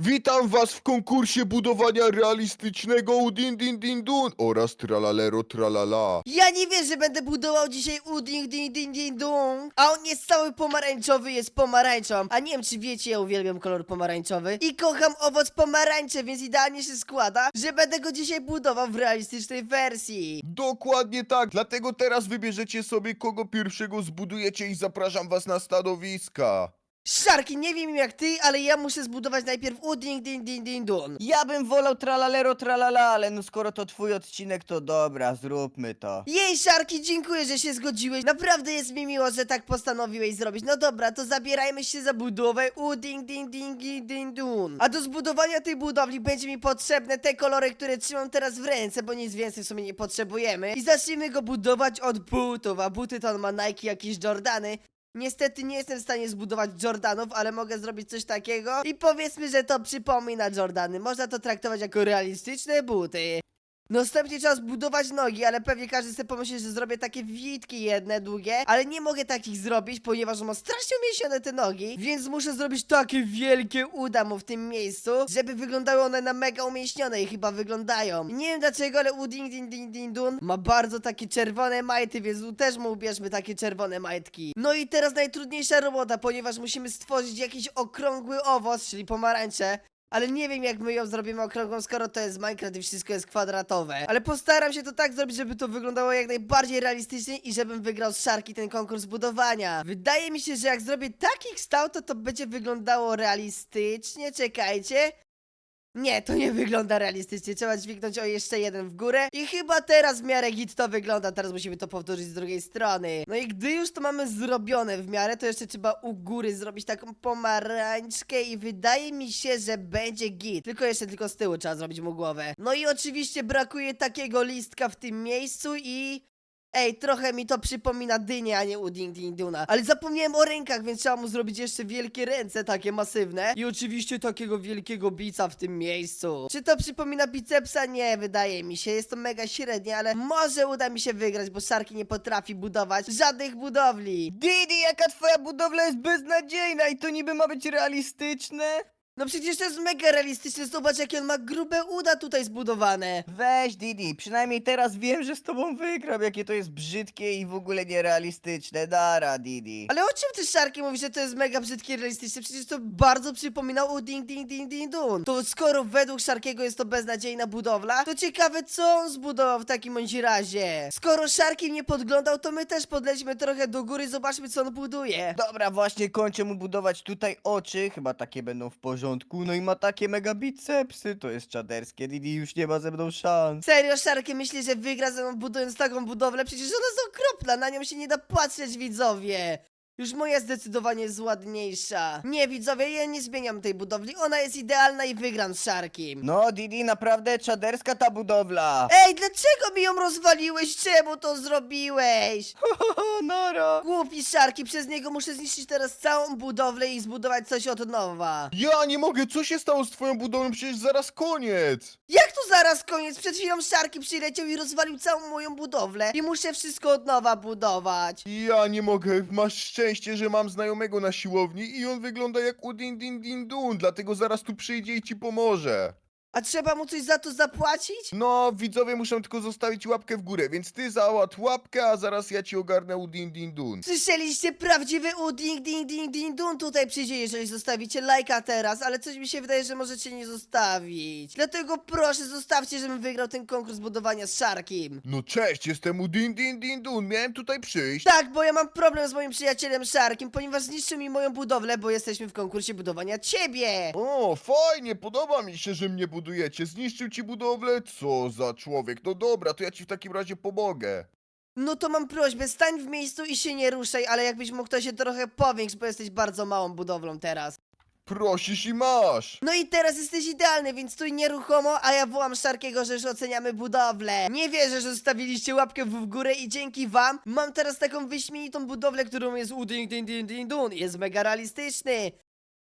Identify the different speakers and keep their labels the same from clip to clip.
Speaker 1: Witam was w konkursie budowania realistycznego Udin Din Din Dun oraz Tralalero Tralala.
Speaker 2: Ja nie wierzę, że będę budował dzisiaj Uding Ding Ding Ding Dong. A on jest cały pomarańczowy, jest pomarańczą. A nie wiem, czy wiecie, ja uwielbiam kolor pomarańczowy. I kocham owoc pomarańczy, więc idealnie się składa, że będę go dzisiaj budował w realistycznej wersji.
Speaker 1: Dokładnie tak, dlatego teraz wybierzecie sobie kogo pierwszego zbudujecie i zapraszam was na stanowiska.
Speaker 2: Szarki, nie wiem jak ty, ale ja muszę zbudować najpierw Uding Ding Ding Ding Dong.
Speaker 3: Ja bym wolał tralalero tralala, ale no skoro to twój odcinek, to dobra, zróbmy to.
Speaker 2: Jej, Szarki, dziękuję, że się zgodziłeś. Naprawdę jest mi miło, że tak postanowiłeś zrobić. No dobra, to zabierajmy się za budowę Uding Ding Ding Ding Ding Dun. A do zbudowania tej budowli będzie mi potrzebne te kolory, które trzymam teraz w ręce, bo nic więcej w sumie nie potrzebujemy. I zacznijmy go budować od butów, a buty to on ma Nike, jakieś Jordany. Niestety nie jestem w stanie zbudować Jordanów, ale mogę zrobić coś takiego i powiedzmy, że to przypomina Jordany. Można to traktować jako realistyczne buty. Następnie trzeba zbudować nogi, ale pewnie każdy sobie pomyśli, że zrobię takie witki jedne, długie, ale nie mogę takich zrobić, ponieważ mam strasznie umięśnione te nogi, więc muszę zrobić takie wielkie uda mu w tym miejscu, żeby wyglądały one na mega umięśnione i chyba wyglądają. Nie wiem dlaczego, ale Uding Ding Ding Ding Dun ma bardzo takie czerwone majty, więc tu też mu ubierzmy takie czerwone majtki. No i teraz najtrudniejsza robota, ponieważ musimy stworzyć jakiś okrągły owoc, czyli pomarańcze. Ale nie wiem jak my ją zrobimy okrągłą, skoro to jest Minecraft i wszystko jest kwadratowe. Ale postaram się to tak zrobić, żeby to wyglądało jak najbardziej realistycznie i żebym wygrał z Szarki ten konkurs budowania. Wydaje mi się, że jak zrobię taki kształt, to będzie wyglądało realistycznie. Czekajcie. Nie, to nie wygląda realistycznie, trzeba dźwignąć o jeszcze jeden w górę i chyba teraz w miarę git to wygląda, teraz musimy to powtórzyć z drugiej strony. No i gdy już to mamy zrobione w miarę, to jeszcze trzeba u góry zrobić taką pomarańczkę i wydaje mi się, że będzie git. Tylko z tyłu trzeba zrobić mu głowę. No i oczywiście brakuje takiego listka w tym miejscu i... Ej, trochę mi to przypomina dynię, a nie Uding Ding Duna. Ale zapomniałem o rękach, więc trzeba mu zrobić jeszcze wielkie ręce, takie masywne. I oczywiście takiego wielkiego bica w tym miejscu. Czy to przypomina bicepsa? Nie, wydaje mi się. Jest to mega średnie, ale może uda mi się wygrać, bo Szarki nie potrafi budować żadnych budowli.
Speaker 3: Didi, jaka twoja budowla jest beznadziejna i to niby ma być realistyczne?
Speaker 2: No przecież to jest mega realistyczne. Zobacz, jakie on ma grube uda tutaj zbudowane.
Speaker 3: Weź Didi, przynajmniej teraz wiem, że z tobą wygram, jakie to jest brzydkie i w ogóle nierealistyczne. Dara, Didi.
Speaker 2: Ale o czym ty, Szarki, mówisz, że to jest mega brzydkie i realistyczne? Przecież to bardzo przypomina Uding Ding Ding Ding Dun. To skoro według Szarkiego jest to beznadziejna budowla, to ciekawe co on zbudował w takim bądź razie. Skoro Szarki mnie podglądał, to my też podlećmy trochę do góry i zobaczmy co on buduje.
Speaker 3: Dobra, właśnie kończę mu budować tutaj oczy, chyba takie będą w porządku. No i ma takie mega bicepsy, to jest czaderskie. Didi już nie ma ze mną szans.
Speaker 2: Serio, Szarki myśli, że wygra ze mną budując taką budowlę? Przecież ona jest okropna, na nią się nie da patrzeć, widzowie. Już moja zdecydowanie jest ładniejsza. Nie, widzowie, ja nie zmieniam tej budowli, ona jest idealna i wygram z Szarkim.
Speaker 3: No Didi, naprawdę czaderska ta budowla.
Speaker 2: Ej, dlaczego mi ją rozwaliłeś? Czemu to zrobiłeś?
Speaker 3: Nara.
Speaker 2: Głupi Szarki, przez niego muszę zniszczyć teraz całą budowlę i zbudować coś od nowa.
Speaker 1: Ja nie mogę, co się stało z twoją budową? Przecież zaraz koniec.
Speaker 2: Jak to zaraz koniec? Przed chwilą Szarki przyleciał i rozwalił całą moją budowlę i muszę wszystko od nowa budować.
Speaker 1: Ja nie mogę, masz szczęście, że mam znajomego na siłowni i on wygląda jak Udin Din Din Dun, dlatego zaraz tu przyjdzie i ci pomoże.
Speaker 2: A trzeba mu coś za to zapłacić?
Speaker 1: No, widzowie muszą tylko zostawić łapkę w górę, więc ty załatw łapkę, a zaraz ja ci ogarnę Udin Din Dun.
Speaker 2: Słyszeliście? Prawdziwy Uding Ding Ding Ding Dun tutaj przyjdzie, jeżeli zostawicie lajka teraz, ale coś mi się wydaje, że możecie nie zostawić. Dlatego proszę, zostawcie, żebym wygrał ten konkurs budowania z Szarkim.
Speaker 1: No cześć, jestem Udin Din Din Dun, miałem tutaj przyjść.
Speaker 2: Tak, bo ja mam problem z moim przyjacielem Szarkiem, ponieważ zniszczył mi moją budowlę, bo jesteśmy w konkursie budowania ciebie.
Speaker 1: O, fajnie, podoba mi się, że mnie budujecie. Zniszczył ci budowlę? Co za człowiek. No dobra, to ja ci w takim razie pomogę.
Speaker 2: No to mam prośbę, stań w miejscu i się nie ruszaj, ale jakbyś mógł to się trochę powiększyć, bo jesteś bardzo małą budowlą teraz.
Speaker 1: Prosisz i masz.
Speaker 2: No i teraz jesteś idealny, więc stój nieruchomo, a ja wołam Szarkiego, że już oceniamy budowlę. Nie wierzę, że zostawiliście łapkę w górę i dzięki wam mam teraz taką wyśmienitą budowlę, którą jest Uding Ding Ding Ding Dun. Jest mega realistyczny.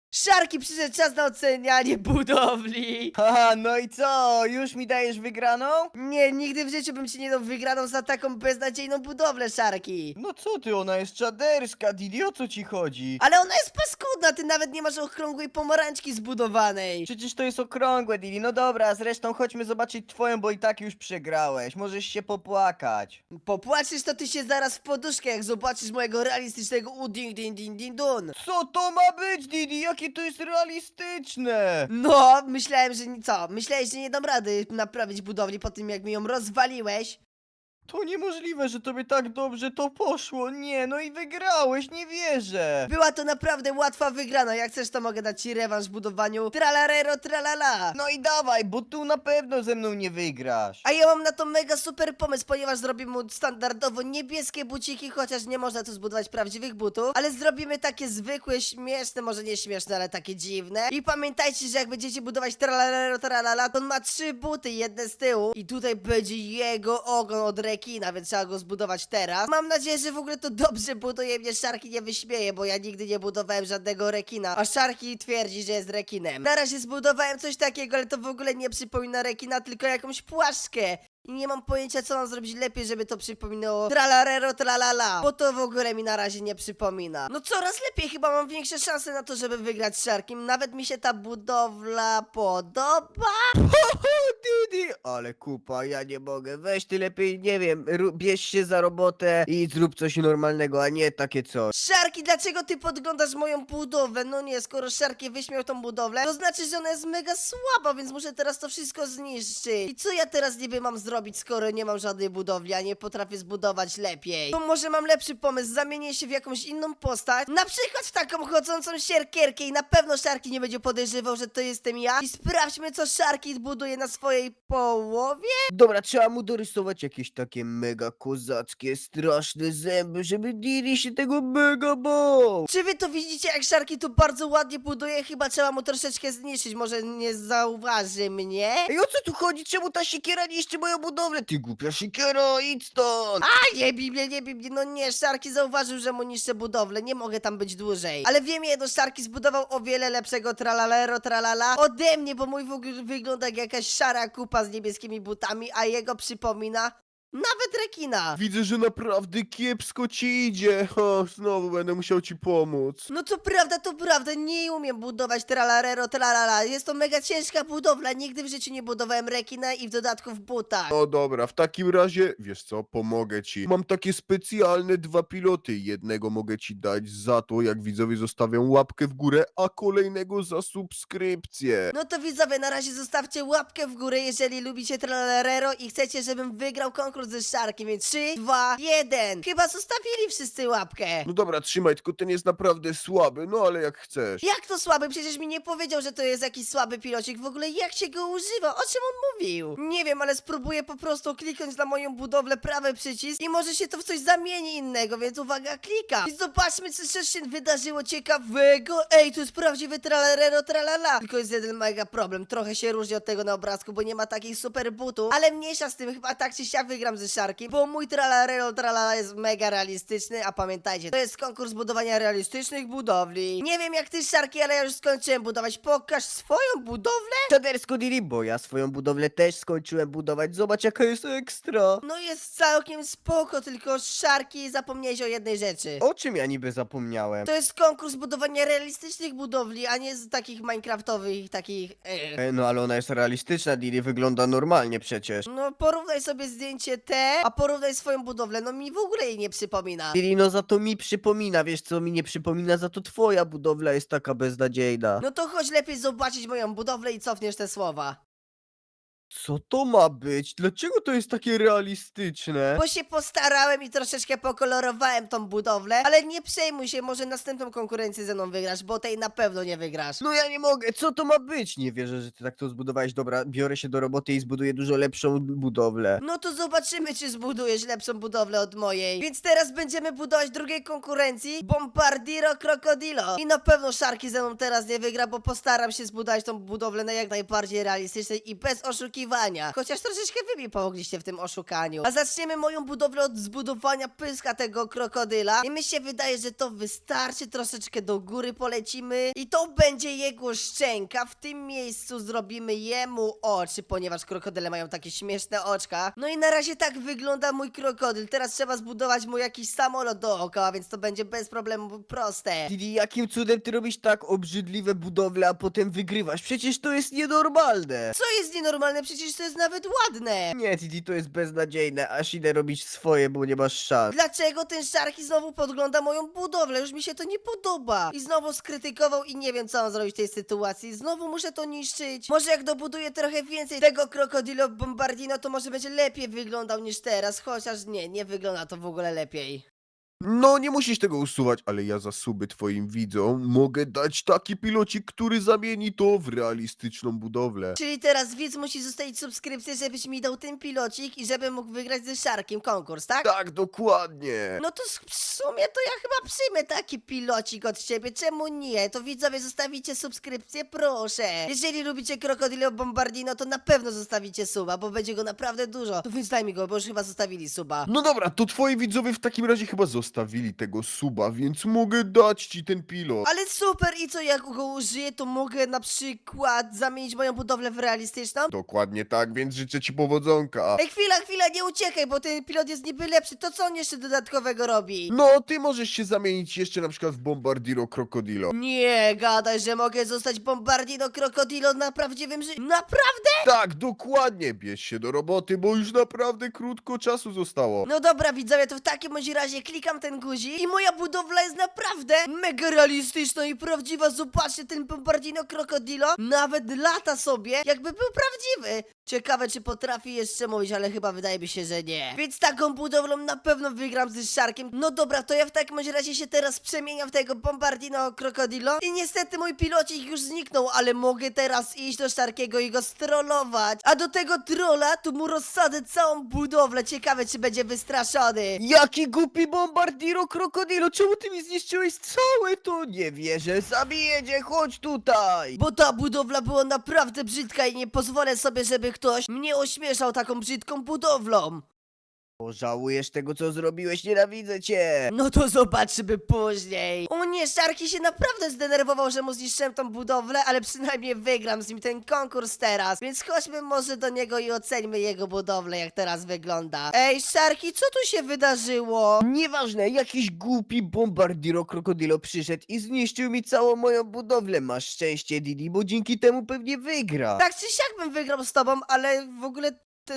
Speaker 2: Szarki, przyszedł czas na ocenianie budowli.
Speaker 3: Haha, no i co? Już mi dajesz wygraną?
Speaker 2: Nie, nigdy w życiu bym ci nie dał wygraną za taką beznadziejną budowlę, Szarki.
Speaker 3: No co ty, ona jest czaderska, Didi, o co ci chodzi?
Speaker 2: Ale ona jest paskudna, ty nawet nie masz okrągłej pomarańczki zbudowanej.
Speaker 3: Przecież to jest okrągłe, Didi. No dobra, zresztą chodźmy zobaczyć twoją, bo i tak już przegrałeś. Możesz się popłakać.
Speaker 2: Popłaczesz, to ty się zaraz w poduszkę, jak zobaczysz mojego realistycznego uding-ding-ding-dun.
Speaker 3: Co to ma być, Didi? Jakie to jest realistyczne?
Speaker 2: No, myślałem, że co? Myślałeś, że nie dam rady naprawić budowli po tym, jak mi ją rozwaliłeś?
Speaker 3: To niemożliwe, że tobie tak dobrze to poszło. Nie, no i wygrałeś, nie wierzę.
Speaker 2: Była to naprawdę łatwa wygrana, jak chcesz, to mogę dać ci rewanż w budowaniu tralarero tralala.
Speaker 3: No i dawaj, bo tu na pewno ze mną nie wygrasz.
Speaker 2: A ja mam na to mega super pomysł, ponieważ zrobimy mu standardowo niebieskie buciki, chociaż nie można tu zbudować prawdziwych butów, ale zrobimy takie zwykłe, śmieszne, może nie śmieszne, ale takie dziwne. I pamiętajcie, że jak będziecie budować tralalero tralala, to on ma 3 buty, jedne z tyłu i tutaj będzie jego ogon od rekina, więc trzeba go zbudować teraz. Mam nadzieję, że w ogóle to dobrze buduje, mnie Szarki nie wyśmieje, bo ja nigdy nie budowałem żadnego rekina, a Szarki twierdzi, że jest rekinem. Na razie zbudowałem coś takiego, ale to w ogóle nie przypomina rekina, tylko jakąś płaszczkę. I nie mam pojęcia, co mam zrobić lepiej, żeby to przypominało tralarero tralala, bo to w ogóle mi na razie nie przypomina. No coraz lepiej, chyba mam większe szanse na to, żeby wygrać z Szarkiem. Nawet mi się ta budowla podoba.
Speaker 3: Didi, ale kupa, ja nie mogę. Weź ty lepiej, nie wiem, bierz się za robotę i zrób coś normalnego, a nie takie coś.
Speaker 2: Szarki, dlaczego ty podglądasz moją budowlę? No nie, skoro Szarki wyśmiał tą budowlę, to znaczy, że ona jest mega słaba, więc muszę teraz to wszystko zniszczyć. I co ja teraz niby mam zrobić, skoro nie mam żadnej budowli, a nie potrafię zbudować lepiej? To może mam lepszy pomysł, zamienię się w jakąś inną postać, na przykład w taką chodzącą sierkierkę i na pewno Szarki nie będzie podejrzewał, że to jestem ja. I sprawdźmy, co Szarki buduje na swojej połowie.
Speaker 3: Dobra, trzeba mu dorysować jakieś takie mega kozackie, straszne zęby, żeby Didi się tego mega bał.
Speaker 2: Czy wy to widzicie, jak Szarki tu bardzo ładnie buduje? Chyba trzeba mu troszeczkę zniszczyć, może nie zauważy mnie.
Speaker 3: Ej, o co tu chodzi? Czemu ta siekiera niszczy moją budowlę? Ty głupia siekiera, idź stąd!
Speaker 2: A nie bij mnie, nie bij mnie, no nie, Szarki zauważył, że mu niszczę budowlę, nie mogę tam być dłużej. Ale wiem jedno, Szarki zbudował o wiele lepszego tralalero tralala ode mnie, bo mój w ogóle wygląda jak jakaś szara kupa z niebieskimi butami, a jego przypomina nawet rekina.
Speaker 1: Widzę, że naprawdę kiepsko ci idzie. O, znowu będę musiał ci pomóc.
Speaker 2: No to prawda, nie umiem budować tralarero tralala, jest to mega ciężka budowla, nigdy w życiu nie budowałem rekina i w dodatku w butach.
Speaker 1: No dobra, w takim razie, wiesz co, pomogę ci. Mam takie specjalne 2 piloty. Jednego mogę ci dać za to, jak widzowie zostawią łapkę w górę, a kolejnego za subskrypcję.
Speaker 2: No to widzowie, na razie zostawcie łapkę w górę, jeżeli lubicie Tralarero i chcecie, żebym wygrał konkurs ze Szarkiem, więc 3, 2, 1. Chyba zostawili wszyscy łapkę.
Speaker 1: No dobra, trzymaj, tylko ten jest naprawdę słaby, no ale jak chcesz.
Speaker 2: Jak to słaby? Przecież mi nie powiedział, że to jest jakiś słaby pilocik. W ogóle jak się go używa? O czym on mówił? Nie wiem, ale spróbuję po prostu kliknąć na moją budowlę prawy przycisk i może się to w coś zamieni innego, więc uwaga, klikam. I zobaczmy, co się wydarzyło ciekawego. Ej, to jest prawdziwy Tralarero tralala. Tylko jest jeden mega problem. Trochę się różni od tego na obrazku, bo nie ma takich super butów, ale mniejsza z tym, chyba tak czy siak wygram ze Szarkiem, bo mój Tralarero tralala jest mega realistyczny, a pamiętajcie, to jest konkurs budowania realistycznych budowli. Nie wiem jak ty, Szarki, ale ja już skończyłem budować. Pokaż swoją budowlę.
Speaker 3: Czadersko, Didi, bo ja swoją budowlę też skończyłem budować. Zobacz, jaka jest ekstra.
Speaker 2: No jest całkiem spoko, tylko Szarki, zapomniałeś o jednej rzeczy.
Speaker 3: O czym ja niby zapomniałem?
Speaker 2: To jest konkurs budowania realistycznych budowli, a nie z takich minecraftowych, takich...
Speaker 3: No ale ona jest realistyczna, Didi, wygląda normalnie przecież.
Speaker 2: No porównaj sobie zdjęcie te, a porównaj swoją budowlę, no mi w ogóle jej nie przypomina.
Speaker 3: Didi, no za to mi przypomina, wiesz co mi nie przypomina, za to twoja budowla jest taka beznadziejna.
Speaker 2: No to chodź lepiej zobaczyć moją budowlę i cofniesz te słowa.
Speaker 3: Co to ma być? Dlaczego to jest takie realistyczne?
Speaker 2: Bo się postarałem i troszeczkę pokolorowałem tą budowlę, ale nie przejmuj się, może następną konkurencję ze mną wygrasz, bo tej na pewno nie wygrasz.
Speaker 3: No ja nie mogę, co to ma być? Nie wierzę, że ty tak to zbudowałeś. Dobra, biorę się do roboty i zbuduję dużo lepszą budowlę.
Speaker 2: No to zobaczymy, czy zbudujesz lepszą budowlę od mojej. Więc teraz będziemy budować drugiej konkurencji, Bombardiro Crocodilo. I na pewno Szarki ze mną teraz nie wygra, bo postaram się zbudować tą budowlę na jak najbardziej realistycznej i bez oszukiwań. oszukiwania. Chociaż troszeczkę wy mi pomogliście w tym oszukaniu. A zaczniemy moją budowlę od zbudowania pyska tego krokodyla. I mi się wydaje, że to wystarczy. Troszeczkę do góry polecimy. I to będzie jego szczęka. W tym miejscu zrobimy jemu oczy, ponieważ krokodyle mają takie śmieszne oczka. No i na razie tak wygląda mój krokodyl. Teraz trzeba zbudować mu jakiś samolot dookoła, więc to będzie bez problemu proste.
Speaker 3: Didi, jakim cudem ty robisz tak obrzydliwe budowle, a potem wygrywasz? Przecież to jest nienormalne.
Speaker 2: Co jest nienormalne? Przecież to jest nawet ładne.
Speaker 3: Nie, Didi, to jest beznadziejne, aż idę robić swoje, bo nie masz szans.
Speaker 2: Dlaczego ten Sharky znowu podgląda moją budowlę? Już mi się to nie podoba. I znowu skrytykował i nie wiem, co mam zrobić w tej sytuacji. Znowu muszę to niszczyć. Może jak dobuduję trochę więcej tego Crocodilo Bombardino, to może będzie lepiej wyglądał niż teraz. Chociaż nie wygląda to w ogóle lepiej.
Speaker 1: No, nie musisz tego usuwać, ale ja za suby twoim widzom mogę dać taki pilocik, który zamieni to w realistyczną budowlę.
Speaker 2: Czyli teraz widz musi zostawić subskrypcję, żebyś mi dał ten pilocik i żebym mógł wygrać ze Sharkiem konkurs, tak?
Speaker 1: Tak, dokładnie.
Speaker 2: No to w sumie to ja chyba przyjmę taki pilocik od ciebie, czemu nie? To widzowie zostawicie subskrypcję, proszę. Jeżeli lubicie Crocodilo Bombardino, to na pewno zostawicie suba, bo będzie go naprawdę dużo. To więc daj mi go, bo już chyba zostawili suba.
Speaker 1: No dobra, to twoi widzowie w takim razie chyba zostawili tego suba, więc mogę dać ci ten pilot.
Speaker 2: Ale super, i co, jak go użyję, to mogę na przykład zamienić moją budowlę w realistyczną?
Speaker 1: Dokładnie tak, więc życzę ci powodzonka.
Speaker 2: Ej, chwila, nie uciekaj, bo ten pilot jest niby lepszy, to co on jeszcze dodatkowego robi?
Speaker 1: No, ty możesz się zamienić jeszcze na przykład w Bombardiro Crocodilo.
Speaker 2: Nie gadaj, że mogę zostać Bombardino Crocodilo na prawdziwym życiu. Naprawdę?
Speaker 1: Tak, dokładnie, bierz się do roboty, bo już naprawdę krótko czasu zostało.
Speaker 2: No dobra widzowie, to w takim bądź razie klikam ten guzik i moja budowla jest naprawdę mega realistyczna i prawdziwa. Zobaczcie, ten Bombardino Crocodilo nawet lata sobie, jakby był prawdziwy. Ciekawe, czy potrafi jeszcze mówić, ale chyba wydaje mi się, że nie. Więc taką budowlą na pewno wygram ze Sharkiem. No dobra, to ja w takim bądź razie się teraz przemieniam w tego Bombardino Crocodilo. I niestety mój pilocik już zniknął, ale mogę teraz iść do Sharkiego i go strollować. A do tego trolla tu mu rozsadzę całą budowlę. Ciekawe, czy będzie wystraszony.
Speaker 3: Jaki głupi Bombardiro Krokodilo, czemu ty mi zniszczyłeś całe to? Nie wierzę, zabiję cię, chodź tutaj!
Speaker 2: Bo ta budowla była naprawdę brzydka i nie pozwolę sobie, żeby ktoś mnie ośmieszał taką brzydką budowlą.
Speaker 3: Pożałujesz tego, co zrobiłeś, nienawidzę cię!
Speaker 2: No to zobaczymy później. O nie, Sharky się naprawdę zdenerwował, że mu zniszczyłem tą budowlę, ale przynajmniej wygram z nim ten konkurs teraz. Więc chodźmy może do niego i oceńmy jego budowlę, jak teraz wygląda. Ej, Sharky, co tu się wydarzyło?
Speaker 3: Nieważne, jakiś głupi Bombardiro Krokodilo przyszedł i zniszczył mi całą moją budowlę. Masz szczęście, Didi, bo dzięki temu pewnie wygra.
Speaker 2: Tak czy siak bym wygrał z tobą, ale w ogóle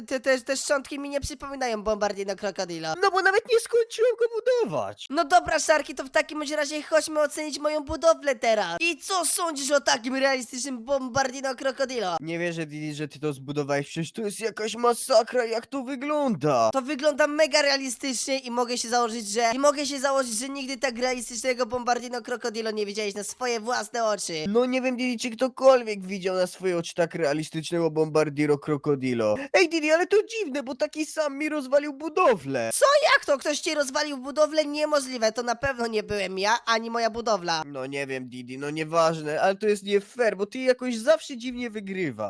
Speaker 2: te szczątki mi nie przypominają Bombardino Crocodilo.
Speaker 3: No bo nawet nie skończyłem go budować.
Speaker 2: No dobra, Sharky, to w takim bądź razie chodźmy ocenić moją budowlę teraz. I co sądzisz o takim realistycznym Bombardino Crocodilo?
Speaker 3: Nie wierzę, Didi, że ty to zbudowałeś, przecież to jest jakaś masakra, jak to wygląda.
Speaker 2: To wygląda mega realistycznie i mogę się założyć, że nigdy tak realistycznego Bombardino Crocodilo nie widziałeś na swoje własne oczy.
Speaker 3: No nie wiem, Didi, czy ktokolwiek widział na swoje oczy tak realistycznego Bombardiro Krokodilo. Ej, Didi, ale to dziwne, bo taki sam mi rozwalił budowlę.
Speaker 2: Jak to? Ktoś ci rozwalił budowlę? Niemożliwe, to na pewno nie byłem ja, ani moja budowla.
Speaker 3: No nie wiem, Didi, no nieważne, ale to jest nie fair, bo ty jakoś zawsze dziwnie wygrywasz.